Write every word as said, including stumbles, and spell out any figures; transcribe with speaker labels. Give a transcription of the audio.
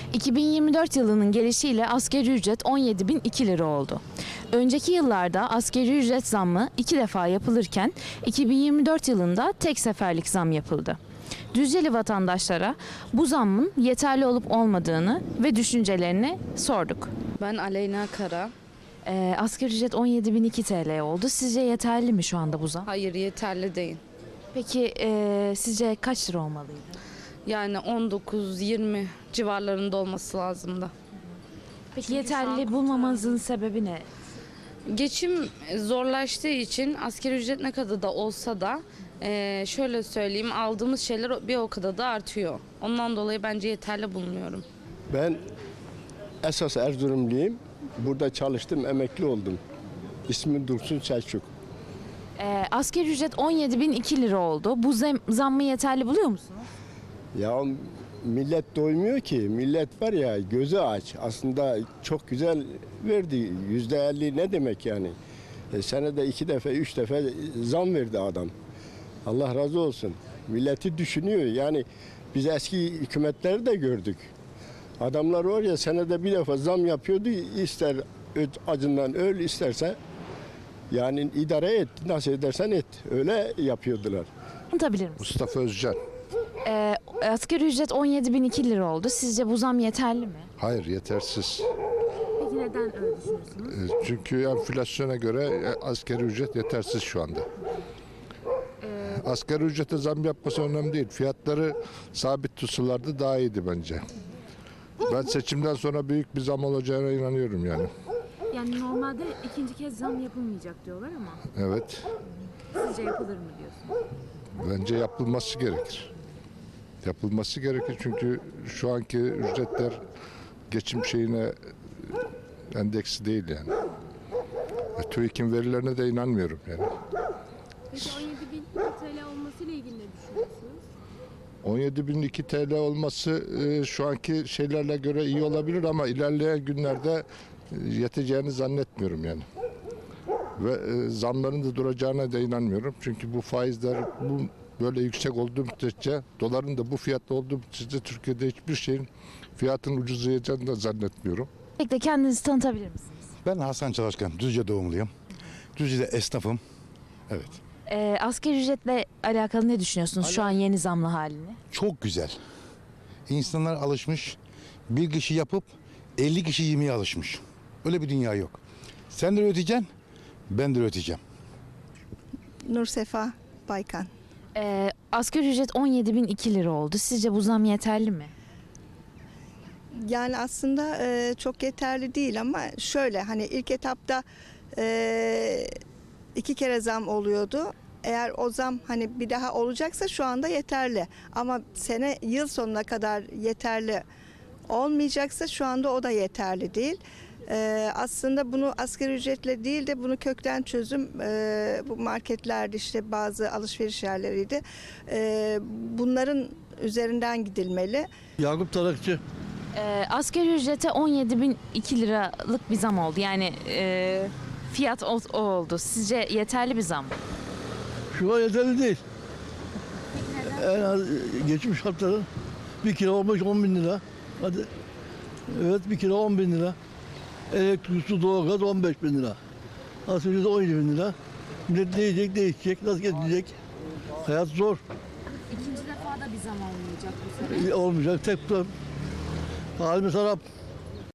Speaker 1: iki bin yirmi dört yılının gelişiyle asgari ücret on yedi bin iki lira oldu. Önceki yıllarda asgari ücret zammı iki defa yapılırken iki bin yirmi dört yılında tek seferlik zam yapıldı. Düzceli vatandaşlara bu zammın yeterli olup olmadığını ve düşüncelerini sorduk.
Speaker 2: Ben Aleyna Kara.
Speaker 1: Ee, asgari ücret on yedi bin iki T L oldu. Sizce yeterli mi şu anda bu zam?
Speaker 2: Hayır, yeterli değil.
Speaker 1: Peki e, sizce kaç lira olmalıydı?
Speaker 2: Yani on dokuz yirmi civarlarında olması lazımdı.
Speaker 1: Peki
Speaker 2: Çünkü şu an
Speaker 1: yeterli bulmamanızın sebebi ne?
Speaker 2: Geçim zorlaştığı için asgari ücret ne kadar da olsa da eee, şöyle söyleyeyim, aldığımız şeyler bir o kadar da artıyor. Ondan dolayı bence yeterli bulmuyorum.
Speaker 3: Ben esas Erzurumluyum. Burada çalıştım, emekli oldum. İsmim Dursun Selçuk.
Speaker 1: Ee, asgari ücret on yedi bin iki lira oldu. Bu zam, zammı yeterli buluyor musunuz?
Speaker 3: Ya millet doymuyor ki. Millet var ya gözü aç. Aslında çok güzel verdi. Yüzde elli ne demek yani? E, senede iki defa, üç defa zam verdi adam. Allah razı olsun. Milleti düşünüyor. Yani biz eski hükümetleri de gördük. Adamlar var ya senede bir defa zam yapıyordu. İster acından öl, isterse yani idare et. Nasıl edersen et. Öyle yapıyordular.
Speaker 1: Anlatabilir misiniz?
Speaker 4: Mustafa Özcan.
Speaker 1: Ee, asgari ücret on yedi bin iki lira oldu. Sizce bu zam yeterli mi?
Speaker 4: Hayır, yetersiz.
Speaker 1: Peki neden öyle düşünüyorsunuz?
Speaker 4: E, Çünkü enflasyona göre e, asgari ücret yetersiz şu anda. Asgari ücrete zam yapması önemli değil. Fiyatları sabit tutsalardı daha iyiydi bence. Ben seçimden sonra büyük bir zam olacağına inanıyorum yani.
Speaker 1: Yani normalde ikinci kez zam yapılmayacak diyorlar ama
Speaker 4: Evet,
Speaker 1: sizce yapılır mı diyorsunuz?
Speaker 4: bence yapılması gerekir. Yapılması gerekir çünkü şu anki ücretler geçim şeyine e, endeksi değil yani. E, TÜİK'in verilerine de inanmıyorum yani.
Speaker 5: Peki on yedi bin T L olmasıyla ilgili ne düşünüyorsunuz?
Speaker 4: on yedi bin iki T L olması e, şu anki şeylerle göre iyi olabilir ama ilerleyen günlerde e, yeteceğini zannetmiyorum yani. Ve e, zamların da duracağına da inanmıyorum. Çünkü bu faizler bu böyle yüksek olduğu müddetçe, doların da bu fiyatta olduğu müddetçe Türkiye'de hiçbir şeyin fiyatının ucuzlayacağını da zannetmiyorum.
Speaker 1: Peki de kendinizi tanıtabilir misiniz?
Speaker 6: Ben Hasan Çalışkan, Düzce doğumluyum. Düzce'de esnafım. Evet.
Speaker 1: Ee, asgari ücretle alakalı ne düşünüyorsunuz şu an yeni zamlı halini?
Speaker 6: Çok güzel. İnsanlar alışmış. Bir kişi yapıp elli kişi yemeye alışmış. Öyle bir dünya yok. Sen de üreteceksin, ben de üreteceğim.
Speaker 7: Nursefa Baykan.
Speaker 1: Ee, asgari ücret on yedi bin iki lira oldu. Sizce bu zam yeterli mi?
Speaker 7: Yani aslında e, çok yeterli değil ama şöyle hani ilk etapta e, iki kere zam oluyordu. Eğer o zam hani bir daha olacaksa şu anda yeterli. Ama sene yıl sonuna kadar yeterli olmayacaksa şu anda o da yeterli değil. Ee, aslında bunu asgari ücretle değil de bunu kökten çözüm e, bu marketlerde işte bazı alışveriş yerleriydi. E, bunların üzerinden gidilmeli.
Speaker 8: Yakup Tarakçı.
Speaker 1: Ee, asgari ücrete on yedi bin iki liralık bir zam oldu. Yani e, fiyat o, o oldu. Sizce yeterli bir zam mı?
Speaker 8: Şu an yeterli değil. En az geçmiş şartların bir kilo olmuş on bin lira. Hadi. Evet bir kilo on bin lira. Elektrik, su, doğalgaz on beş bin lira. Asgari ücret on yedi bin lira. Millet ne yiyecek, ne içecek, nasıl geçecek? Hayat zor.
Speaker 5: İkinci defa da bir zam olmayacak bu sefer.
Speaker 8: Olmayacak tek tutar. Halimiz harap.